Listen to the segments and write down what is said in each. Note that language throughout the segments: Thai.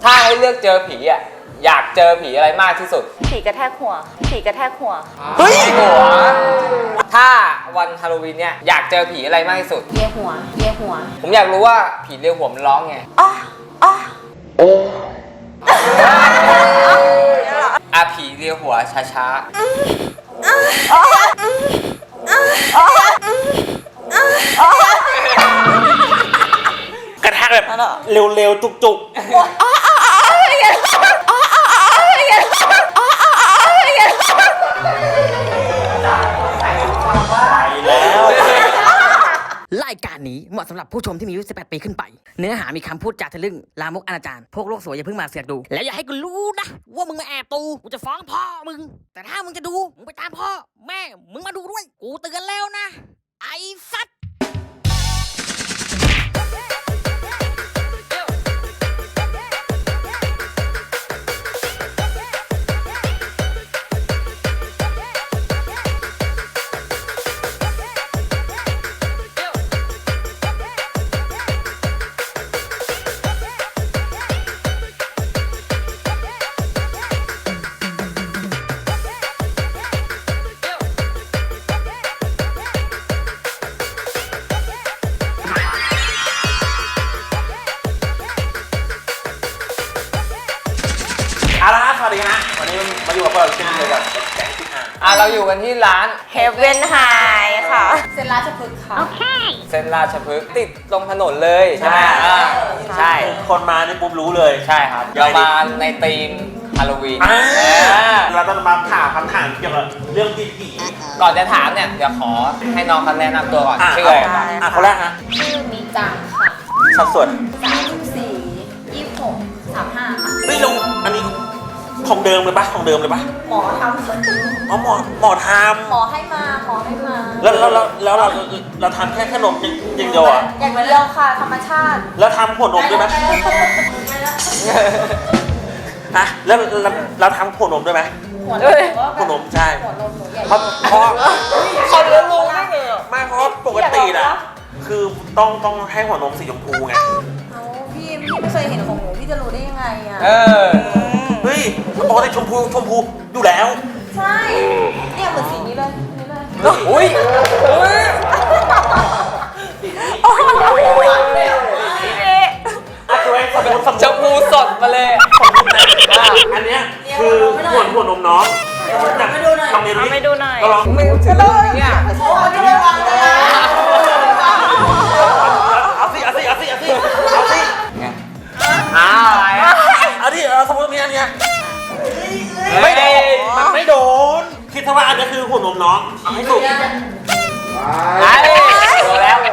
ถ้าให้เลือกเจอผีอ่ะอยากเจอผีอะไรมากที่สุดผีกระแทกหัวผีกระแทกหัวเฮ้ยหัวถ้าวันฮาโลวีนเนี่ยอยากเจอผีอะไรมากที่สุดเลียหัวเลียหัวผมอยากรู้ว่าผีเลียหัวมันร้องไงอ๋ออ๋อโอ้อาผีเลียหัวช้าๆกระแทกแบบเร็วๆจุกๆรายการนี้เหมาะสำหรับผู้ชมที่มีอายุ 18 ปีขึ้นไปเนื้อหามีคำพูดจาทะลึ่งลามกอนาจารพวกโลกสวยอย่าเพิ่งมาเสือกดูแล้วอย่าให้กูรู้นะว่ามึงมาแอบดูกูจะฟ้องพ่อมึงแต่ถ้ามึงจะดูมึงไปตามพ่อแม่มึงมาดูด้วยกูเตือนแล้วนะไอ้สัตว์สวัสดีนะวันนี้มาอยู่กับพวกเราเช่นเคยกับแก๊งที่เราอยู่กันที่ร้าน Heaven High ค่ะเส้นราชพฤกษ์ค่ะเส้นราชพฤกษ์ติดตรงถนนเลยใช่ไหมใช่คนมานี่ปุ๊บรู้เลยใช่ครับเรามาในธีมฮาโลวีนเราต้องมาถามคำถามเกี่ยวกับเรื่องผีก่อนจะถามเนี่ยเดี๋ยวขอให้น้องเขาแนะนำตัวก่อนชื่ออะไรคนแรกฮะชื่อมิจังค่ะสัดส่วน 34 26 35ค่ะไม่รู้อันนี้ของเดิมเลยปะของเดิมเลยปะหมอทำอ๋อหมอทำหมอให้มาแล้วเราทำแค่ขนมอย่างเดียวอ่ะอย่างเดียวค่ะธรรมชาติแล้วทำหัวนมด้วยไหมฮะแล้วเราทำหัวนมด้วยไหมหัวนมใช่หัวนมหนูใหญ่เพราะเขาเลี้ยงลูกไม่เพราะปกติน่ะคือต้องให้หัวนมสีชมพูไงพี่ไม่เคยเห็นของหนูพี่จะรู้ได้ยังไงอ่ะเฮ้ยปกติชมพูอยู่แล้วใช่เนี่ยเหมือนสีนี้เลยอุ้ยชมพูสดมาเลยอันเนี้ยคือหัวนมน้องไม่ดูหน่อยไม่ดูหน่อยลองไม่ดูเนี่ยเอาสิอะไรเอาดิสมมติมีอันเนี้ยไม่โดนมันไม่โดนคิดซะว่าอันนี้คือหัวนมน้องเอาให้สุกโดนแล้ว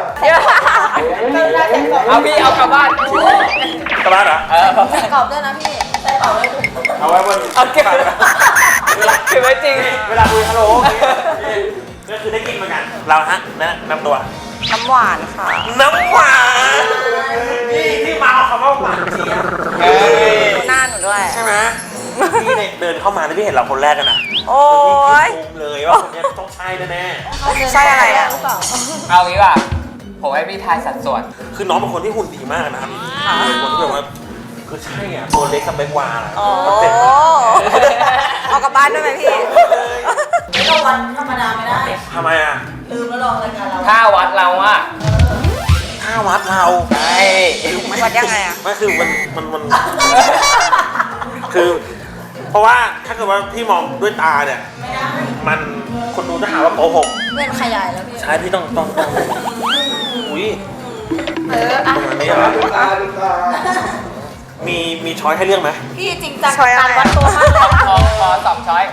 เอาพี่เอากลับบ้านเหรอใส่กรอบด้วยนะพี่ใส่กรอบเลยเอาไว้บนเอาเก็บไว้จริงเวลาคุยฮัลโหลก็คือได้กินเหมือนกันเราฮะน้ำตัวน้ำหวานค่ะน้ำหวานนี่ที่มาเอาคำว่าหวานเชียร์หน้าหนูด้วยใช่ไหมพี่เนี่ยเดินเข้ามาพี่เห็นเราคนแรกกันนะโอ้ยเลยว่าคนนี้ต้องใช่แน่ใช่อะไรอ่ะเอางี้ป่ะผมให้พี่ทายสัดส่วนคือน้องเป็นคนที่หุ่นดีมากนะครับเป็นคนที่แบบว่าคือใช่อ่ะตัวเล็กกับเบกวาเอากลับบ้านด้วยไหมพี่ไม่ต้องวัดธรรมดาไม่ได้ทำไมอ่ะลืมแล้วลองรายการเราถ้าวัดเราอ่ะถ้าวัดเราใช่วัดยังไงอ่ะไม่คือมันคือเพราะว่าถ้าเกิดว่าพี่มองด้วยตาเนี่ยมันคนดูจะหาว่าโกหกเล่นขยายแล้วพี่ใช่พี่ต้องอุ้ยประมาณนี้เหรอมีช้อยให้เลือกไหมพี่จริงจังการวัดตัวมากเลยขอ2ช้อย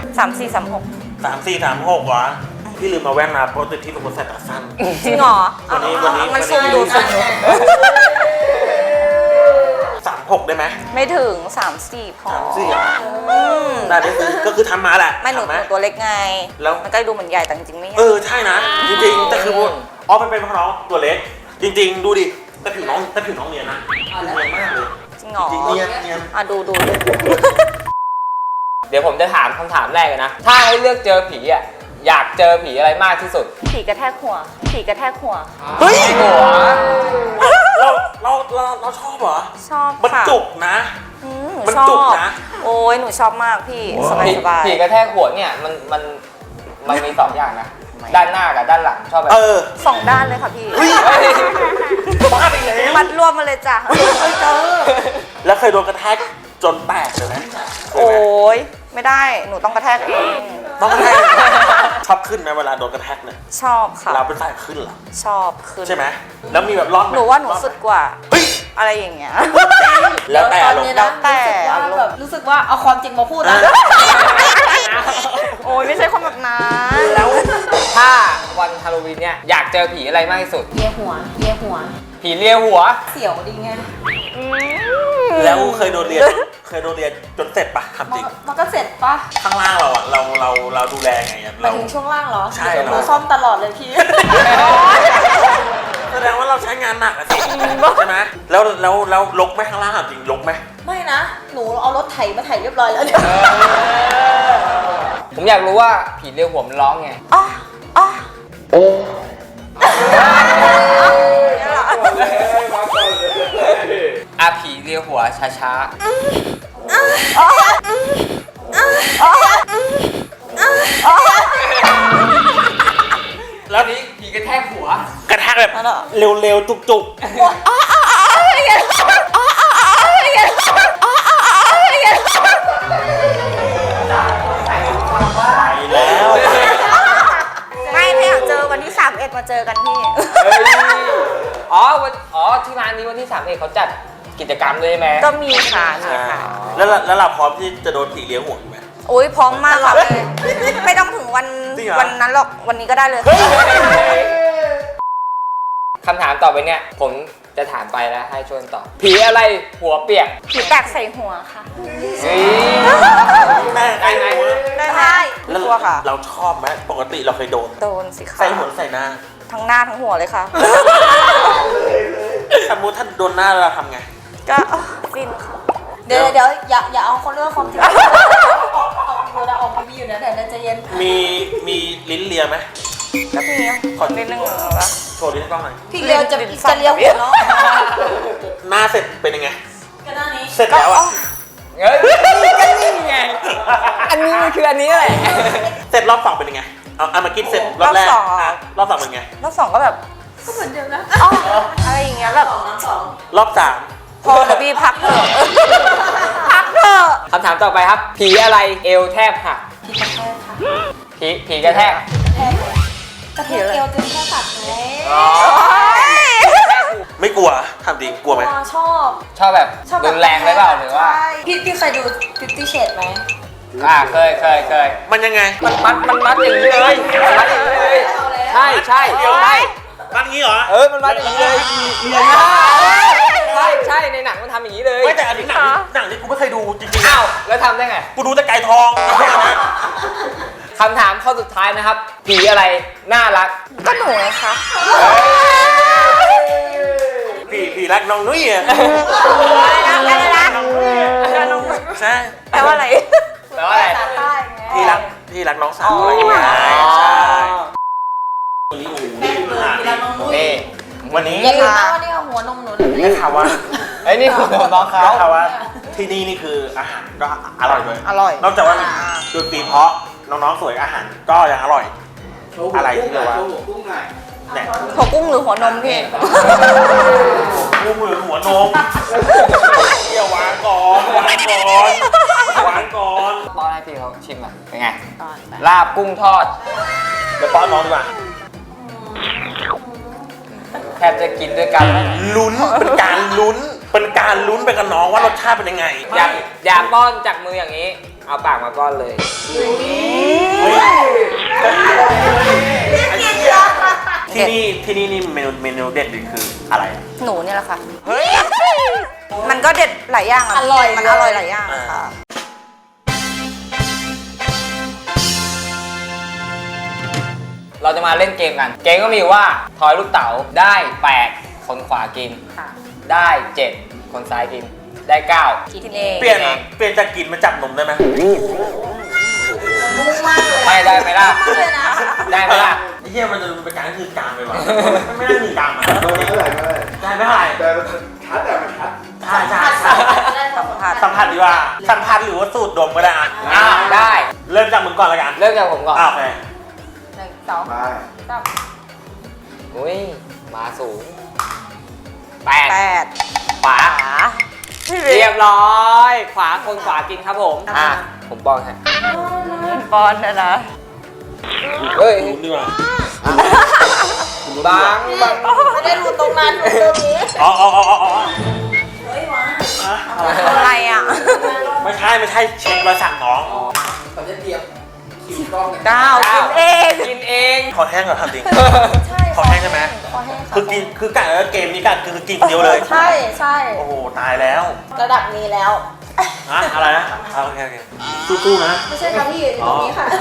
3436วะพี่ลืมมาแว่นมาเพราะที่เป็นคนใส่ตาสั้นจริงเหรอวันนี้มันซูมดู 36ได้ไหมไม่ถึง34พอได้ก็คือทำมาแหละไม่หนูตัวเล็กไงแล้วมันก็ดูเหมือนใหญ่แต่จริงไม่ใหญ่ใช่นะจริงๆแต่คือมันเป็นเพราะน้องตัวเล็กจริงๆดูดิแต่ผิวน้องเนียนนะเนียนมากเลยจริงเหรอจริงเนียนดูเดี๋ยวผมจะถามคำถามแรกเลยนะถ้าให้เลือกเจอผีอ่ะอยากเจอผีอะไรมากที่สุดผีกระแทกหัวเฮ้ยหัวเราชอบเหรอชอบมันจุกนะชอจุกบนะโอ้ยหนูชอบมากพี่สบายผีสบายผีกระแทกหัวเนี่ยมันมีสองอย่างนะ ด้านหน้ากับด้านหลังชอบแบบเออสองด้านเลยค่ะพี่เฮ้ยเฮ้ยบ้าไปแล้วมัดรวมมาเลยจ้ะแล้วเคยโดนกระแทกจนแตกเลยไหมเคยโอ้ไหมยไม่ได้หนูต้องกระแทกเองต้องกระแทกชอบขึ้นไหมเวลาโดนกระแทกเนี่ยชอบค่ะเราเป็นฝ่ายขึ้นเหรอชอบขึ้นใช่ไหมแล้วมีแบบรอดไหมหนูว่าหนูสุดกว่าเฮ้ยอะไรอย่างเงี้ยแล้วแต่ตอนลงนี้แล้นะวแต่รู้สึกว่าเอาความจริงมาพูดแล้วโอ้ยไม่ใช่คนแบบนั้นแล้วถ้าวันฮาโลวีนเนี่ยอยากเจอผีอะไรมากที่สุดเลียหัวผีเลียหัวเสียวดีไงแล้วเคยโดนเรียนจนเสร็จปะทำจริงมันก็เสร็จปะข้างล่างเราอะเราดูแลไงอะหมาเรายถึงช่วงล่างเหรอใช่หนูซ่อมตลอดเลยพี่แสดงว่าเราใช้งานหนักอะสิใช่ไหมแล้วลกไหมข้างล่างอะจริงลกไหมไม่นะ หนูเอารถไถมาไถเรียบร้อยแล้วเนี่ยผมอยากรู้ว่าผีเลียหัวมันร้องไงอ๋ออ๋ออ่ะผีเลียหัวช้า ๆ แล้วนี้ผีกระแทกหัวกระแทกแบบเร็วๆจุกๆไปแล้วไม่ไม่อยากเจอวันที่31มาเจอกันพี่อ๋อที่ร้านนี้วันที่3เขาจัดกิจกรรมเลยใช่ไหมก็มีค่ะมีค่ะแล้วเราพร้อมที่จะโดนผีเลี้ยงหัวอยู่ไหมโอ้ยพร้อมมากค่ะไม่ต้องถึงวันจริงเหรอวันนั้นหรอกวันนี้ก็ได้เลยคำถามต่อไปเนี่ย ผมจะถามไปแล้วให้ช่วยตอบผีอะไรหัวเปียกผีแตกใส่หัวค่ะเฮ้ยได้ไหมได้ไหมแล้วกลัวค่ะเราชอบไหมปกติเราเคยโดนโดนสิค่ะใส่หัวใส่หน้าทั้งหน้าทั้งหัวเลยค่ะสมมติถ้าโดนหน้าเราทำไงก็ฟินค่ะเดี๋ยวอย่าเอาคนเรื่องความจริงออกทีวีอยู่นะเดี๋ยวใจเย็นมีลิ้นเลียไหมก็มีคนนิดนึงวะโชว์ลิ้นให้กล้องหน่อยพี่เลียวจะเลี้ยวหัวเนาะหน้าเสร็จเป็นยังไงก็หน้านี้เสร็จแล้วอะเฮ้ยก็นี่ไง อันนี้มันคืออันนี้แหละเสร็จรอบสองเป็นยังไงเอามากินเสร็จรอบแรกะรอบสองเป็นไงรอบสองก็แบบก็เหมือนเดิมนะอ๋ออะไรอย่างเงี้ยแบบรอบสามพอเดี๋ยวพี่พักเถอะพักเถอะคำถามต่อไปครับ ผีอะไรเอวแทบหัก ผีกระแทกกระเทียมเอวจนแค่ตัดไงอ๋อไม่กลัวทำจริงกลัวไหมชอบชอบแบบรุนแรงไหมเปล่าหรือว่าใช่พี่เคยดู Fifty Shades ไหมเคยมันยังไงมันมัดอย่างนี้เลยมันมัดอย่างนี้เลย ใช่ใช่มันงี้เหรอมันมัดอย่างนี้เลยใช่ในหนังมันทำอย่างนี้เลยไม่แต่อันนี้หนังที่กูไม่เคยดูจริงๆนะอ้าวแล้วทำได้ไงกูดูแต่ไก่ทองคำถามข้อสุดท้ายนะครับ ผีอะไรน่ารักก็หนูไงคะผีรักน้องนุ้ยอ่ะอะไรนะใช่แปลว่าอะไรแปลว่าอะไรภาษาใต้ไงพี่รักน้องสาวอะไรอย่างเงี้ยใช่วันนี้นี่วันนี้อย่าลืมนะว่านี่เอาหัวนมหนูเลยได้ข่าวว่าไอ้ยนี่คุณน้องเขาได้ข่าวว่าที่นี่นี่คืออาหารก็อร่อยเลยอร่อยนอกจากว่าดนตรีเพราะน้องๆสวยอาหารก็ยังอร่อย อะไรที่เรียกว่าเนี่ยหัวกุ้งหรือหัวนมพี่กูมือหัวนมเดี๋ยววางก่อนวางก่อนป้อนให้พี่เขาชิมอ่ะเป็นไง ลาบกุ้งทอดเดี๋ยวป้อนน้องดีกว่าแทบจะกินด้วยกันแล้วลุ้นเป็นการลุ้นไปกับน้องว่ารสชาติเป็นยังไงอย่าป้อนจากมืออย่างนี้ เอาปากมาป้อนเลยที่นี่นี่เมนูเด็ดคืออะไรหนูเนี่ยแหละค่ะ มันก็เด็ดหลายอย่างอ่ะอร่อยมันอร่อยหลายอย่างค่ะเราจะมาเล่นเกมกัน เกมก็มีอยู่ว่าทอยลูกเต๋าได้ 8 คนขวากินค่ะได้ 7 คนซ้ายกิน ได้ 9 กินเองเปลี่ยนจากกินมาจับนมได้ไหมไม่ได้ไหมล่ะ ได้ไหมล่ะไอ้เหี้ยมันจะเป็นการคือกลางไปวะไม่ได้มีกลางอ่ะได้ไม่เท่าไหร่แต่ชัดแต่มันชัดใช่ได้สัมผัสสัมผัสดีกว่าสัมผัสหรือว่าสูตรดมก็ได้อ่ะได้เริ่มจากมึงก่อนละกันเริ่มจากผมก่อนโอเค 1 2 3 อุ้ยมาสูง 8 ขวาพี่เรียบร้อย ขวาคนขวากินครับผมผมป้อนฮะบอลนะนะเฮ้ยรู้ดีกว่าบางบางไม่ได้รู้ตรงนั้นรู้ตรงนี้อ๋ออะไรอ่ะไม่ใช่เช็ครอยสักน้องก้าวกินเองกินเองขอแห้งก่อนทำจริงใช่ขอแห้งใช่ไหมขอแห้งค่ะคือกินคือกะเกมนี้กะคือกินคนเดียวเลยใช่โอ้โหตายแล้วระดับนี้แล้วอะอะไรนะโอเคสู้ๆนะไม่ใช่ค่ะพี่อยู่ตรงนี้ค่ะ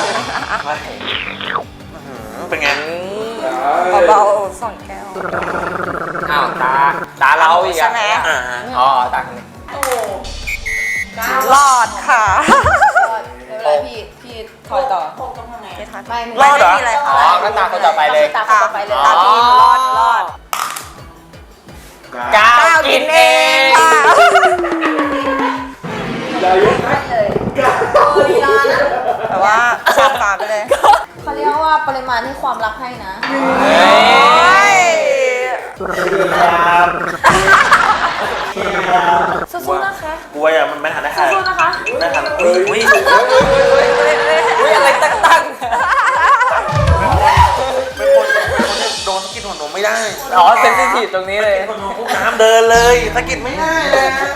เป็นไงเบาๆ2 แก้วอ้าวตาเราอีกใช่ไหมอ่าอ๋อตาคนนี้รอดค่ะไม่เป็นไรพี่ถอยต่อไม่มีอะไรอ๋อก็ตาคนต่อไปเลยตาคนต่อไปเลยตาพี่รอดก้าวกินเองแต่ว่าชาตาไปเลยเขาเรียกว่าปริมาณที่ความรักให้นะสู้ๆนะคะกลัวอย่างมันไม่ทันได้ใครสู้ๆนะคะไม่ทันอุ้ยอุ้ยอะไรตั้งเป็นคนโดนกินหัวนมไม่ได้อ๋อเซนซิทีฟตรงนี้เลยคนนมปุ๊บน้ำเดินเลยสะกิดไม่ได้เลยนะ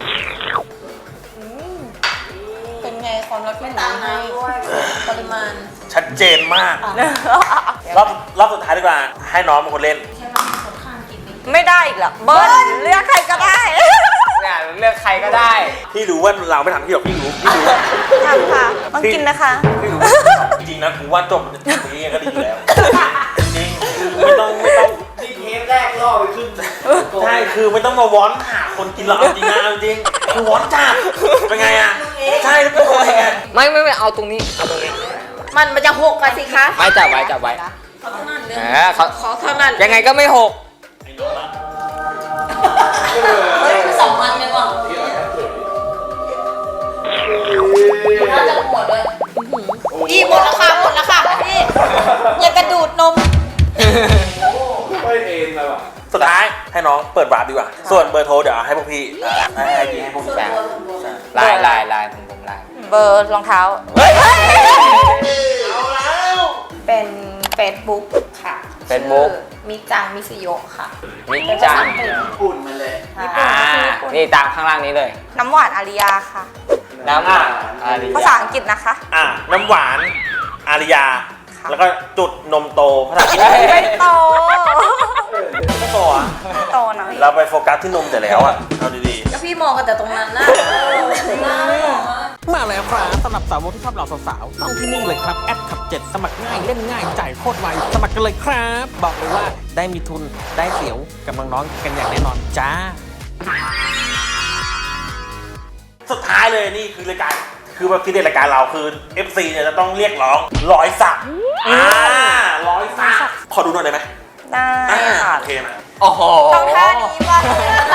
เป็นไงความรักที่หนูให้ปริมาณชัดเจนมากรอบสุดท้ายดีกว่าให้น้องเป็นคนเล่นไม่ได้อีกแล้วเบิ้ลเลือกใครก็ได้เนี่ยเลือกใครก็ได้พี่รู้ว่าเราไม่ทำพี่หรอกพี่รู้ทำค่ะต้องกินนะคะพี่รู้จริงๆนะกูว่าจบนี้ก็ดีแล้วจริงไม่ต้องนี่เทปแรกล่อไปขึ้นใช่คือไม่ต้องมาวอนหาคนกินหรอกจริงนะจริงคือวอนจัดเป็นไงอ่ะใช่แล้วเป็นคนไงไม่เอาตรงนี้เอาตรงนี้มันจะหกกันสิคะไม่จับไว้เขาขอเท่านั้นยังไงก็ไม่หกเฮ้ย2 วันเลยว่ะน่าจะหมดเลยพี่หมดแล้วค่ะพี่อย่ากระดูดนมไม่เอ็นเลยว่ะสุดท้ายให้น้องเปิดวาร์ปดีกว่า ส่วนเบอร์โทรเดี๋ยวให้พวกพี่ให้พวกพี่แชร์ลายผมลายเบอร์รองเท้าเอาแล้วเป็น Facebook ค่ะ Facebook มิจังมิสโยะค่ะมิจังอุ่นมาเลยนี่ตามข้างล่างนี้เลยน้ำหวานอาริยาค่ะน้ำภาษาอังกฤษนะคะน้ำหวานอาริยา แล้วก็จุดนมโตภาษาอังกฤษไม่โตไม่โตอ่ะไม่โตนะพี่เราไปโฟกัสที่นมแต่แล้วอ่ะเอาดีก็พี่มองกันแต่ตรงนั้นนะมาแล้วครับสำหรับสาวกที่ชอบเหล่าสาวๆต้องที่นี่เลยครับแอดขับ 7 สมัครง่ายเล่นง่ายจ่ายโคตรไวสมัครกันเลยครับ บอกเลยว่าได้มีทุนได้เสียวกับน้องๆกันอย่างแน่นอนจ้าสุดท้ายเลยนี่คือรายการคือแบบที่เด็ดรายการเราคือ FC เนี่ยจะต้องเรียกร้องร้อยสักร้อยสักขอดูหน่อยได้ไหมได้ค่ะโอเคไหมโอ้โหต้องท่านี้ป่ะ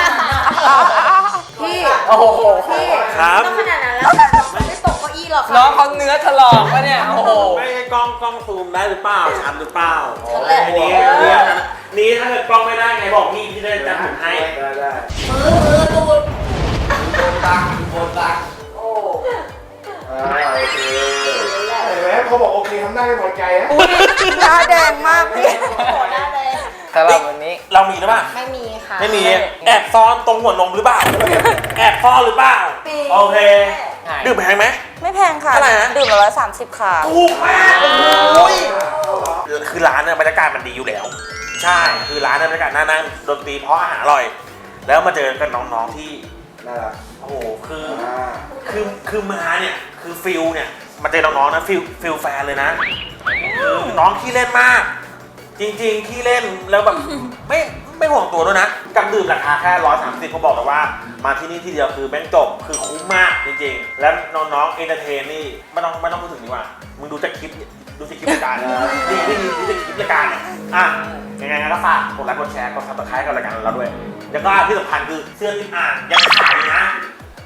พี่โอ้โหพี่ครับต้องขนาดนั้นแล้วค่ะไม่ตกเก้าอี้หรอกค่ะน้องเขาเนื้อถลอกวะเนี่ย โอ้โหไม่ให้กล้องซูมได้หรือเปล่าชัดหรือเปล่าชัดแหละอันนี้นี่ถ้าเกิดกล้องไม่ได้ไงบอกพี่ได้จะผมให้ได้มือดูดโอเคเห็นไหมเขาบอกโอเคทำหน้าไม่พอใจนะหน้าแดงมากพี่โหหน้าแดงสำหรับวันนี้เรามีหรือเปล่าไม่มีค่ะไม่มีแอบซ่อนตรงหัวนมหรือเปล่าแอบซ่อนหรือเปล่าโอเคดื่มแพงไหมไม่แพงค่ะเท่าไหร่นะดื่มละ130ค่ะถูกมากโอ้ยคือร้านเนี่ยบรรยากาศมันดีอยู่แล้ว ใช่คือร้านเนี่ยบรรยากาศน่านั่งดนตรีเพราะอาหารอร่อย แล้วมาเจอกันน้องๆที่น่ารักโอ้โหคือมาเนี่ยคือฟิลเนี่ยมาเจอน้องๆนะฟิลแฟนเลยนะคือน้องขี้เล่นมาก จริงๆขี้เล่นแล้วแบบไม่ห่วงตัวด้วยนะกับดื่มราคาแค่130เขาบอกเลยว่ามาที่นี่ที่เดียวคือแม่งจบคือคุ้มมากจริงๆแล้วน้องๆเอนเตอร์เทนนี่ไม่ต้องพูดถึงดีกว่ามึงดูจากคลิปรายการดีดูจากคลิปรายการเนี่ยยังไงก็ฝากกดไลค์กดแชร์กดซับสไครต์กับรายการเราด้วยแล้วก็ที่สำคัญคือเสื้อที่อ่านยังขายอยู่นะ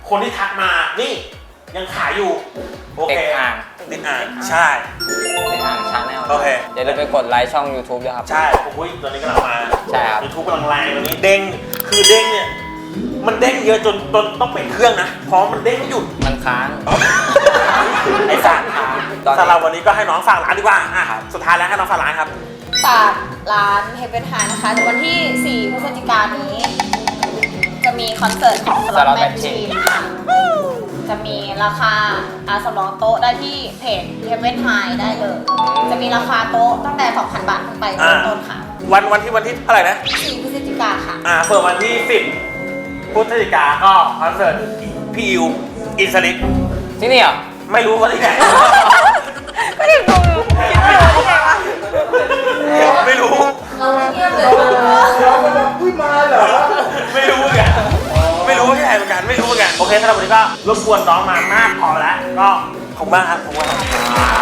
คนที่ทักมานี่ยังขายอยู่โอเคติดอ่างติดอ่างใช่เป็นอ่างชาแนลโอเคอย่าลืมไปกดไลค์ช่อง YouTube ด้วยครับใช่โอ้ยตอนนี้กำลังมาใช่ครับ YouTube กำลังแรงตอนนี้เด้งคือเด้งเนี่ยมันเด้งเยอะจนต้องเปลี่ยนเครื่องนะเพราะมันเด้งไม่หยุดมันค้างไอ้สัตว์ตอนนี้สำหรับวันนี้ก็ให้น้องฝากร้านดีกว่าอ่ะสุดท้ายแล้วให้น้องฝากร้านครับฝากร้านเฮเ e นไฮนะคะในวันที่ 4 พฤศจิกายนนี้ จะมีคอนเสิร์ตของสล็อตแมชชีนค่ะจะมีราคาสำรองโต๊ะได้ที่เพจเฮเ e นไฮได้เลย จะมีราคาโต๊ะตั้งแต่ 2,000 บาทขึ้นไปเริ่มต้นค่ะวันที่เท่าไหร่นะ 4 พฤศจิกายนค่ะเปิดวันที่ 10 พฤศจิกาก็คอนเสิร์ตพี่อิวอินสลิกที่นี่เหรอไม่รู้ว่าที่ไหนไม่ได้ดูคิดไม่รู้ที่ไหนวะไม่รู้เราเงียบเลยเรากำลังขึ้นมาเหรอไม่รู้เหมือนกันไม่รู้ที่ไหนเหมือนกันไม่รู้เหมือนกันโอเคสำหรับวันนี้ก็รบกวนน้องมามากพอแล้วก็ขอบคุณมากครับขอบคุณมากครับ